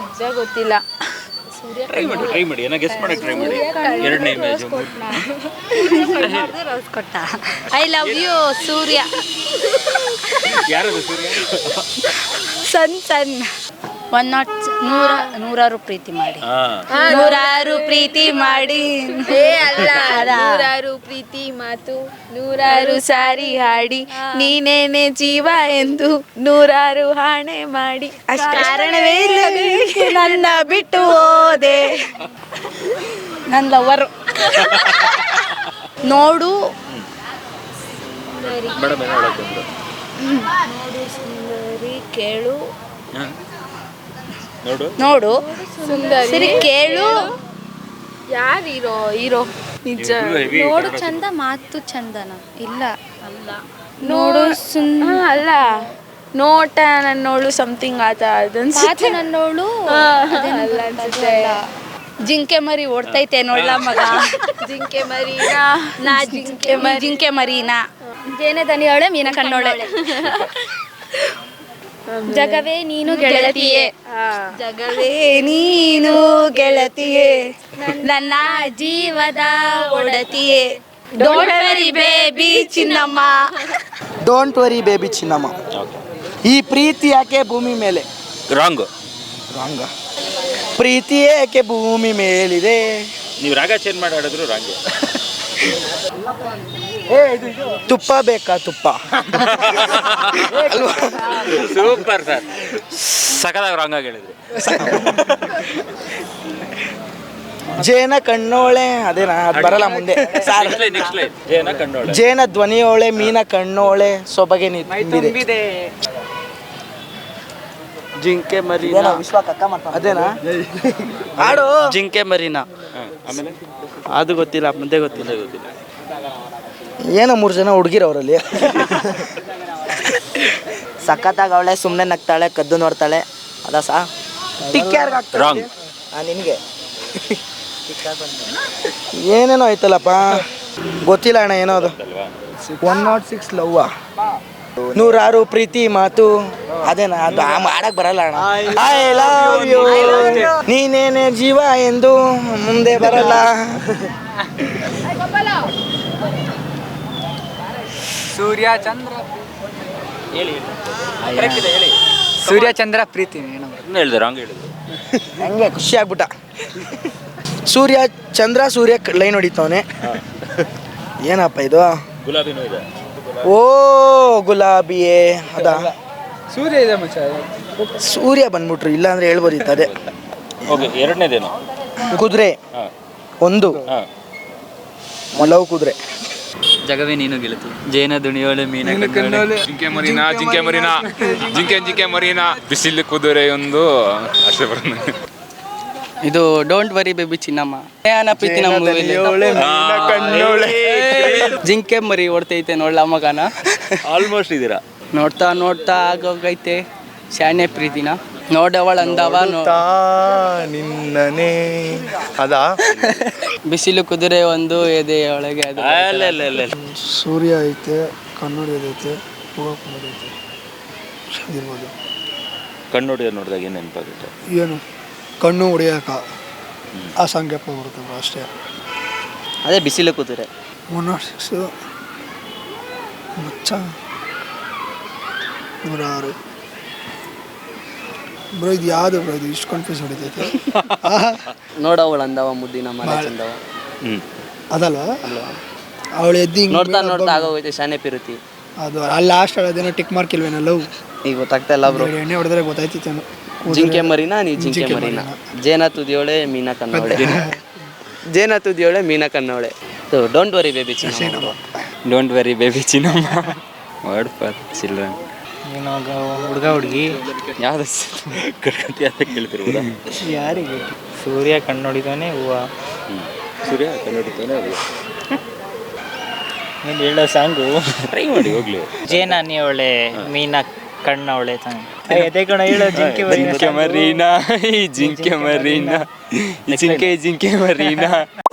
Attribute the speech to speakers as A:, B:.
A: ನಿಜ ಗೊತ್ತಿಲ್ಲ.
B: ಟ್ರೈ ಮಾಡಿ ಏನೋ ಗೆಸ್ ಮಾಡಕ್ಕೆ ಟ್ರೈ ಮಾಡಿ. ಎರಡನೇ ಇಮೇಜ್
A: ಕೊಟ್ಟ. I love you Surya.
B: ಯಾರದು ಸೂರ್ಯ?
A: ಸನ್ ನೂರಾರು ಪ್ರೀತಿ ಮಾಡಿ, ನೂರಾರು ಪ್ರೀತಿ ಮಾಡಿ, ನೂರಾರು ಪ್ರೀತಿ ಮಾತು, ನೂರಾರು ಸಾರಿ ಹಾಡಿ, ನೀನೇನೆ ಜೀವ ಎಂದು ನೂರಾರು ಹಾಣೆ ಮಾಡಿ, ಕಾರಣವೇ ಇಲ್ಲ ನನ್ನ ಬಿಟ್ಟು ಹೋದೆ. ನನ್ನ ಲವರು. ನೋಡು ಸುಂದರಿ, ಕೇಳು ನೋಡು ಸರಿ, ಕೇಳು. ಯಾರು ಹೀರೋ? ನಿಜ. ನೋಡು ಚಂದ, ಮಾತು ಚಂದನ ಇಲ್ಲ ಅಲ್ಲ. ನೋಡು ಅಲ್ಲ, ನೋಟ ನನ್ನೋಳು ಸಮಥಿಂಗ್ ಆತ ಅದನ್ಸುತ್ತೆ. ನನ್ನೋಳು ಜಿಂಕೆ ಮರಿ ಓಡ್ತೈತೆ ನೋಡ್ಲ ಮಗ. ಜಿಂಕೆ ಮರಿನಾ ನಾ ಜಿಂಕೆ ಮರಿನಾ ಜೇನೆ ದನಿಯವಳೆ ಮೀನ ಕಣ್ಣೋಳೆ. ಜಗವೇ ನೀನು ಗೆಳತಿಯೇ, ಜಗವೇ ನೀನು ಗೆಳತಿಯೇ, ನನ್ನ ಜೀವದ ಒಡತಿಯೇ. ಡೋಂಟ್ ವರಿ ಬೇಬಿ ಚಿನ್ನಮ್ಮ.
C: ಡೋಂಟ್ ವರಿ ಬೇಬಿ ಚಿನ್ನಮ್ಮ. ಈ ಪ್ರೀತಿ ಯಾಕೆ ಭೂಮಿ ಮೇಲೆ?
B: ರಾಂಗ್.
C: ಪ್ರೀತಿ ಏಕೆ ಭೂಮಿ ಮೇಲಿದೆ?
B: ನೀವು ರಾಗ ಚೇಂಜ್ ಮಾಡಿ ಆಡಿದ್ರು ರಾಂಗ್.
C: ತುಪ್ಪ ಬೇಕಾ? ತುಪ್ಪ.
B: ಸೂಪರ್ ಸರ್, ಸಕದಾಗ ರಾಂಗ್ ಆಗಿ ಹೇಳಿದ್ರಿ.
C: ಜೇನ ಕಣ್ಣೋಳೆ, ಅದೇನಾ? ಅದು ಬರಲ್ಲ ಮುಂದೆ.
B: Next line. ಜೇನ ಕಣ್ಣೋಳೆ,
C: ಜೇನ ಧ್ವನಿಯೋಳೆ, ಮೀನ ಕಣ್ಣೋಳೆ, ಸೊಬಗೆ ತುಂಬಿದೆ. ಜಿಂಕೆ ಮರಿನಾ, ಅದೇನಾ? ಆಡು. ಜಿಂಕೆ ಮರಿನಾ,
B: ಆಮೇಲೆ
C: ಅದು ಗೊತ್ತಿಲ್ಲ, ಮುಂದೆ ಗೊತ್ತಿಲ್ಲ. ಏನೋ 3 ಜನ ಹುಡುಗಿರವರಲ್ಲಿ. ಸಖತ್ತಾಗ ಅವಳೆ, ಸುಮ್ಮನೆ ನಗ್ತಾಳೆ, ಕದ್ದು ನೋಡ್ತಾಳೆ. ಅದ ಟಿಕ್ ಯಾರಿಗಾಗ್ತಾಳೆ?
B: ರಾಂಗ್.
C: ನಿನಗೆ ಏನೇನೋ ಐತಲ್ಲಪ್ಪ, ಗೊತ್ತಿಲ್ಲ ಅಣ್ಣ. ಏನೋ ಅದು 106 ಲವ್ವಾ, ನೂರಾರು ಪ್ರೀತಿ ಮಾತು, ಅದೇನಾ? ಅದು ಮಾಡಕ್ ಬರಲ್ಲ ಅಣ್ಣ. ಐ ಲವ್ ಯು, ನೀನೇನೆ ಜೀವ ಎಂದು ಮುಂದೆ ಬರಲ್ಲ.
D: ಸೂರ್ಯ ಚಂದ್ರ
B: ಹೇಳಿ.
D: ಸೂರ್ಯ ಚಂದ್ರ ಪ್ರೀತಿ
B: ಹೇಳಿದೆ, ರಾಂಗ್ ಹೇಳಿದ್ರು.
C: ಹಂಗೆ ಖುಷಿ ಆಗ್ಬಿಟ್ಟ. ಸೂರ್ಯ ಚಂದ್ರ, ಸೂರ್ಯ ಲೈನ್ ಹೊಡಿತವನೆ. ಏನಪ್ಪ ಇದು?
B: ಗುಲಾಬಿನೂ ಇದೆ.
C: ಓ ಗುಲಾಬಿಯೇ, ಅದಾ?
D: ಸೂರ್ಯ ಇದೆ ಮಚ್ಚ.
C: ಸೂರ್ಯ ಬಂದ್ಬಿಟ್ರು, ಇಲ್ಲ ಅಂದ್ರೆ ಹೇಳ್ಬೋದಿತ್ತು. ಅದೇ.
B: ಓಕೆ, ಎರಡನೇದೇನು?
C: ಕುದುರೆ. ಒಂದು ಲವ್ ಕುದುರೆ.
D: ಜಗವೇ ನೀನು ಗೆಳತಿ, ಜೇನ ದುಣಿಯೋಳೆ, ಮೀನ ಕಣ್ಣೋಳೆ,
E: ಜಿಂಕೆ ಮರಿನಾ, ಬಿಸಿಲು ಕುದುರೆ ಒಂದು ಅಷ್ಟೇ ಬರೋದು.
D: ಇದು ಡೋಂಟ್ ವರಿ ಬೇಬಿ ಚಿನ್ನಮ್ಮ. ಪ್ರೀತಿ ನಮ್ಮ ಜಿಂಕೆ ಮರಿ ಓಡ್ತೈತೆ ನೋಡ್ಲ ಮಗನ.
B: ಆಲ್ಮೋಸ್ಟ್ ಇದ್ದೀರಾ.
D: ನೋಡ್ತಾ ಆಗೋಗೈತೆ ಶಾನೆ ಪ್ರೀತಿನ. ನೋಡವಳ ಅಂದವ
C: ನಿನ್ನನೇ, ಅದಾ?
D: ಬಿಸಿಲು ಕುದುರೆ ಒಂದು ಎದೆ ಒಳಗೆ.
C: ಸೂರ್ಯ ಐತೆ, ಕನ್ನಡಿ ಐತೆ,
B: ಕಣ್ಣು ಹೊಡೆಯೋದು ನೋಡಿದಾಗ ಏನು ನೆನಪಾಗುತ್ತೆ?
C: ಏನು ಕಣ್ಣು ಹೊಡೆಯಕ ಆ ಸಂಖ್ಯೆಪ್ಪ ಬರ್ತದೆ ಅಷ್ಟೇ.
D: ಅದೇ ಬಿಸಿಲು ಕುದುರೆ.
C: 106 ಮಚ್ಚ, 106 ಬ್ರೋ. ಇದು ಯಾವುದು ಬ್ರೋ? ಇದು ಇಷ್ಟು ಕನ್ಫ್ಯೂಸ್ ಹೊಡಿತೈತೆ.
D: ನೋಡವಳ ಅಂದವ ಮುದ್ದಿನ ಮನೆ ಚಂದವ.
C: ಅದಲ್ವಾ? ಅವಳು ಎದ್ದು
D: ನೋಡ್ತಾ ಆಗೋಗೈತೆ ಶಾನೆ ಪಿರುತಿ.
C: ಅದು ಅಲ್ಲಿ ಲಾಸ್ಟ್ ಅದೇನೋ ಟಿಕ್ ಮಾರ್ಕ್ ಇಲ್ವೇನೋ ಲವ್.
D: ಈಗ ಗೊತ್ತಾಗ್ತಾ ಇಲ್ಲ ಬ್ರೋ.
C: ಎಣ್ಣೆ ಹೊಡೆದ್ರೆ ಗೊತ್ತಾಯ್ತಿತ್ತೇನೋ.
D: ಜಿಂಕೆ ಮರಿನಾ, ನೀ ಜಿಂಕೆ ಮರಿನಾ. ಜೇನ ತುದಿಯೋಳೆ, ಮೀನ ಕಣ್ಣೋಳೆ. ಜೇನ ತುದಿಯೋಳೆ, ಮೀನ ಕಣ್ಣೋಳೆ. ಡೋಂಟ್ ವರಿ ಬೇಬಿ ಚಿನ್ನಮ್ಮ. ಡೋಂಟ್ ವರಿ ಬೇಬಿ ಚಿನ್ನಮ್ಮ. Word for children.
C: ಹುಡುಗ ಹುಡುಗಿ
D: ಯಾವ್ದು
B: ಕೇಳ್ತಿರ್ಬೋದಾ?
C: ಯಾರಿಗೆ?
D: ಸೂರ್ಯ ಕಣ್ಣೊಡಿತಾನೆ ಹೂವ.
B: ಸೂರ್ಯ ಕನ್ನಡಿತಾನೆ ಅದು.
D: ಹೇಳೋ ಸಾಂಗು
B: ಟ್ರೈ ಮಾಡಿ ಹೋಗ್ಲಿ.
D: ಜೇನ ನೀವಳೆ, ಮೀನ ಕಣ್ಣವಳೆ ತಾನೆ. ಅದೇ ಕಣ ಹೇಳೋ. ಜಿಂಕೆ ಮರೀನಾ, ಜಿಂಕೆ ಮರೀನಾ, ಜಿಂಕೆ ಮರೀನಾ.